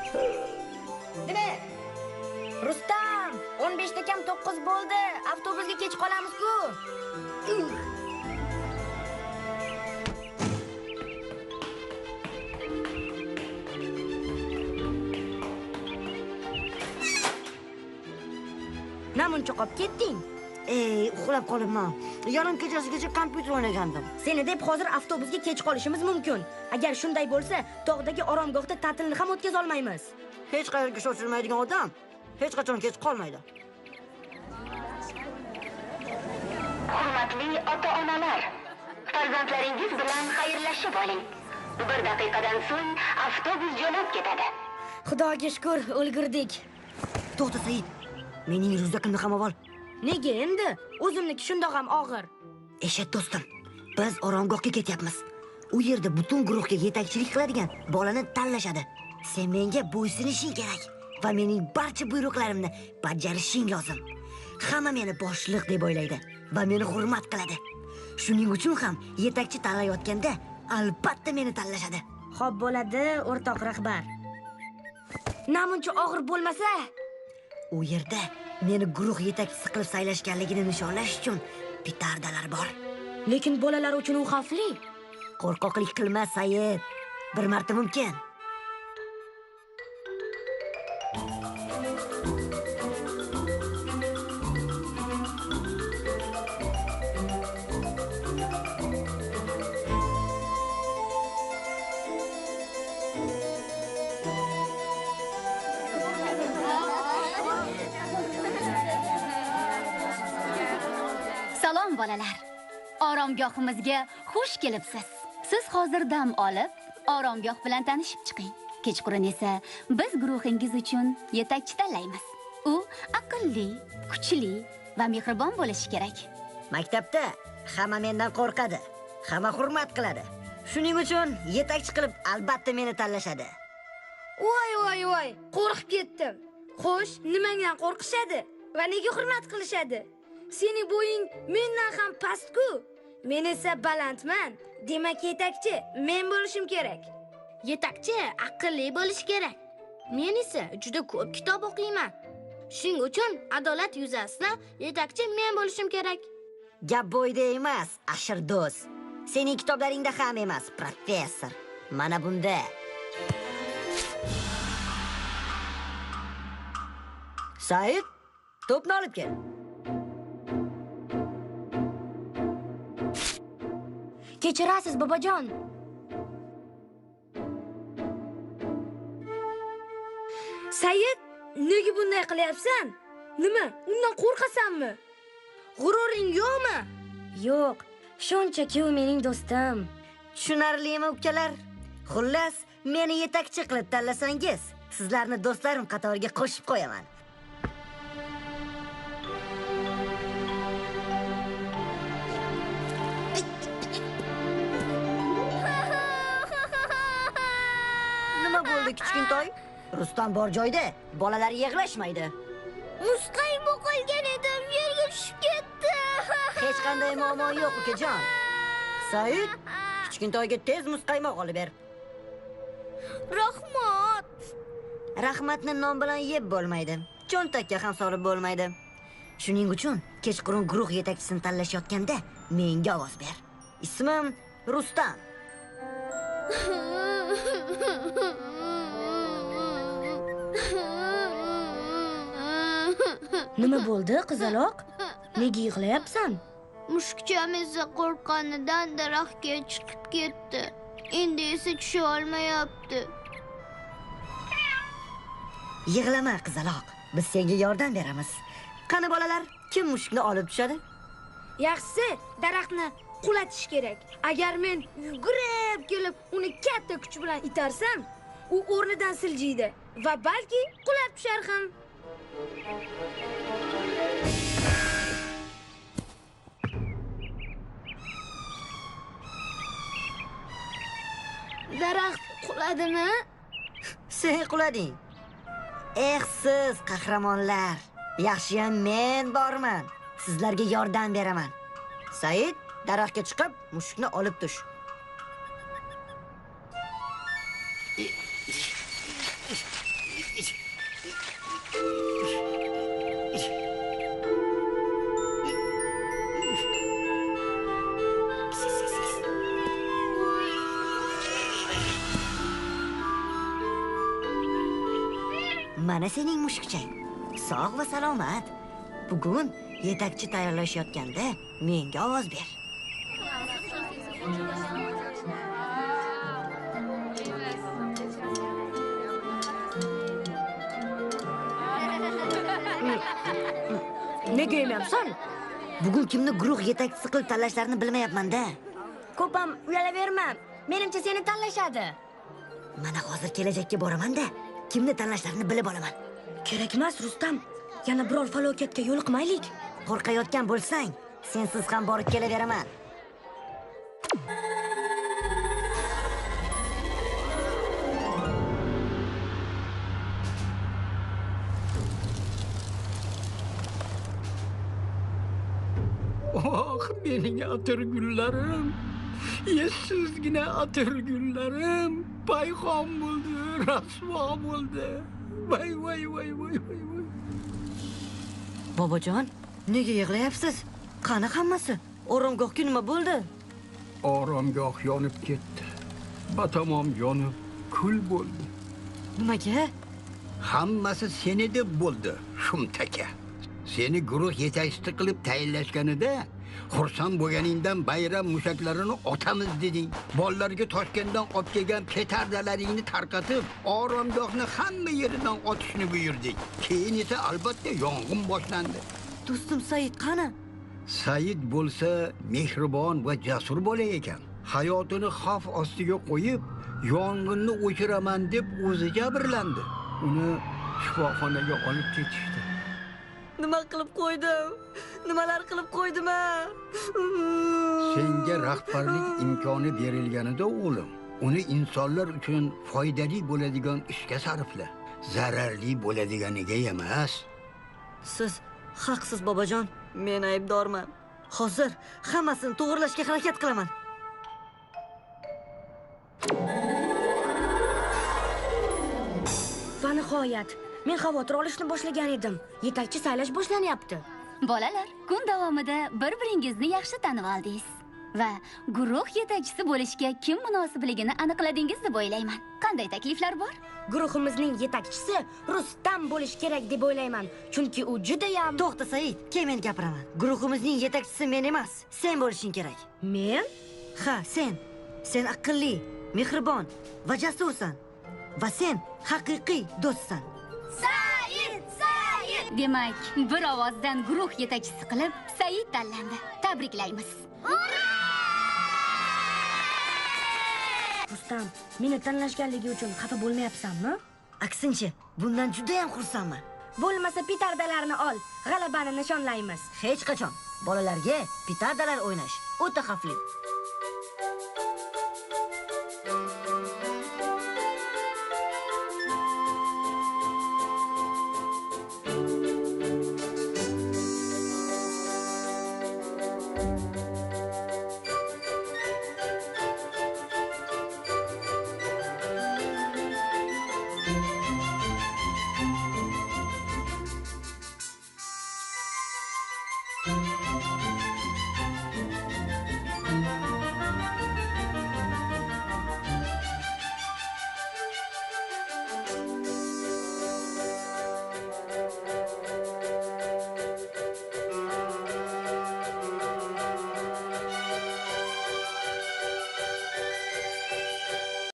Nima? Rustam, 15 ta kam 9 bo'ldi. Avtobusga kech qolamiz-ku. Namuncha qolib ketding? Uxlab qolibman. Yarim kechasigacha kompyuter o'ynagandim. Seni deb hozir avtobusga kech qolishimiz mumkin. Agar shunday bo'lsa, tog'dagi oromgohda ta'tilni ham o'tkaza olmaymiz. Hech qayerga shoshilmaydigan odam hech qachon kech qolmaydi. Hurmatli ota-onalar, farzandlaringiz bilan xayrlashib oling. 1 daqiqadan so'ng avtobus jo'nab ketadi. Xudoga shukr, ulgurdik. To'xta Said. Mening ryukzakimni ham ol. Nega endi? O'zimniki shundoq ham og'ir. Eshit do'stim, biz oromgohga ketyapmiz. U yerda butun guruhga yetakchilik qiladigan bolani tanlashadi. Sen menga bo'ysunishing kerak va mening barcha buyruqlarimni bajarishing lozim. Hamma meni boshliq deb o'ylaydi va meni hurmat qiladi. Shuning uchun ham yetakchi tanlayotganda albatta meni tanlashadi. Xo'p bo'ladi, o'rtoq rahbar. Namuncha og'ir bo'lmasa, u yerda meni guruh yetakchisi qilib saylashganligini nishonlash uchun petardalar bor. Lekin bolalar uchun u xavfli. Qo'rqoqlik qilma, Said. Bir marta mumkin. Salom bolalar. Oromgohimizga xush kelibsiz. Siz hozir dam olib, oromgoh bilan tanishib chiqing. Kechqurun esa biz guruhingiz uchun yetakchi tanlaymiz. U aqlli, kuchli va mehribon bo'lishi kerak. Maktabda hamma mendan qo'rqadi, hamma hurmat qiladi. Shuning uchun yetakchi qilib albatta meni tanlashadi. Voy, qo'rqib ketdim. Xo'sh, nimadan qo'rqishadi va nega hurmat qilishadi? Sening bo'ying mendan ham past-ku. Men esa balandman. Demak, yetakchi men bo'lishim kerak. Yetakchi aqlli bo'lishi kerak. Men esa juda ko'p kitob o'qiyman. Shuning uchun adolat yuzasidan yetakchi men bo'lishim kerak. Gap bo'yda emas, ashir do'st. Sening kitoblaringda ham emas, professor. Mana bunda. Said, to'pni olib kel. Kechirasiz, bobojon. Said, nega bunday qilyapsan? Nima? Undan qo'rqasanmi? G'ururing yo'qmi? Yo'q, shunchaki u mening do'stim. Tushunarlimi, ukalar? Xullas, meni yetakchi qilib tanlasangiz, sizlarni do'stlarim qatoriga qo'shib qo'yaman. Nima bo'ldi, kichkintoy? Rustam bor joyda bolalar yig'lashmaydi. Muzqaymoq qolgan edim, yerga tushib ketdi. Hech qanday muammo yo'q, ukajon. Said, kichkintoyga tez muzqaymoq olib ber. Rahmat. Rahmatni non bilan yeb bo'lmaydi. Cho'ntakka ham solib bo'lmaydi. Shuning uchun kechqurun guruh yetakchisini tanlashayotganda menga ovoz ber. Ismim Rustam. Nima bo'ldi, qizaloq? Nega yig'layapsan? Mushukcham esa qo'rqqanidan daraxtga chiqib ketdi. Endi esa tusha olmayapti. Yig'lama, qizaloq. Biz senga yordam beramiz. Qani bolalar, kim mushukni olib tushadi? Yaxshisi, daraxtni qulatish kerak. Agar men yugurib kelib uni katta kuch bilan itarsam, u o'rnidan siljiydi va balki qulab tushar ham. Daraxt quladimi? Sen qulading. Siz qahramonlar. Yaxshiyam men borman. Sizlarga yordam beraman. Said, daraxtga chiqib, mushukni olib tush. mana sening mushukchang. Sog' va salomat. Bugun yetakchi tayyorlashayotganda menga ovoz ber. Nega yemyapsan? Bugun kimni guruh yetakchisi qilib tanlashlarini bilmayapman-da. Ko'p ham uyalaverma. Menimcha seni tanlashadi. Mana hozir kelajakka boraman-da, kimni tanlashlarini bilib olaman. Kerak emas, Rustam. Yana biror falokatga yo'liqmaylik. Qo'rqayotgan bo'lsang, sensiz ham borib kelaveraman. Oh, mening atirgullarim. Yessizgina atirgullarim. Payxon bo'ldi, rasvo bo'ldi. Voy. Bobojon, nega yig'layapsiz? Qani hammasi? Oromgohga nima bo'ldi? Oromgoh yonib ketdi. Batamom yonib, kul bo'ldi. Nimaga? Hammasi seni deb bo'ldi, shumtaka. Seni guruh yetakchisi qilib tayinlashganida xursand bo'lganingdan bayram mushaklarini otamiz deding. Bolalarga Toshkentdan olib kelgan petardalaringni tarqatib, oromgohni hamma yeridan otishni buyurdik. Keyin esa albatta yong'in boshlandi. Do'stim Said qani? Said bo'lsa mehribon va jasur bola ekan. Hayotini xavf ostiga qo'yib, yong'inni o'chiraman deb o'zi jabrlandi. Uni shifoxonaga olib ketishdi. Nima qilib qo'ydim? Nimalar qilib qo'ydim-a? Senga rahbarlik imkoni berilganida o'g'lim, uni insonlar uchun foydali bo'ladigan ishga sarfla. Zararli bo'ladiganiga emas. Siz haqsiz, bobojon. Men aybdorman. Hozir hammasini to'g'rilashga harakat qilaman. Va nihoyat, men xavotir olishni boshlagan edim. Yetakchi saylash boshlanyapti. Bolalar, kun davomida bir-biringizni yaxshi tanib oldingiz va guruh yetakchisi bo'lishga kim munosibligini aniqladingiz deb o'ylayman. Qanday takliflar bor? Guruhimizning yetakchisi Rustam bo'lish kerak deb o'ylayman. Chunki u juda ham... To'xta Said, keyin men gapiraman. Guruhimizning yetakchisi men emas, sen bo'lishing kerak. Men? Ha, sen. Sen aqlli, mehribon va jasursan. Va sen haqiqiy do'stsan. Demak, bir ovozdan guruh yetakchisi qilib Said tanlandi. Tabriklaymiz. Rustam, meni tanlashganligi uchun xafa bo'lmayapsanmi? Aksincha, bundan juda ham xursandman. Bo'lmasa petardalarni ol, g'alabani nishonlaymiz. Hech qachon bolalarga petardalar o'ynash o'ta xavfli.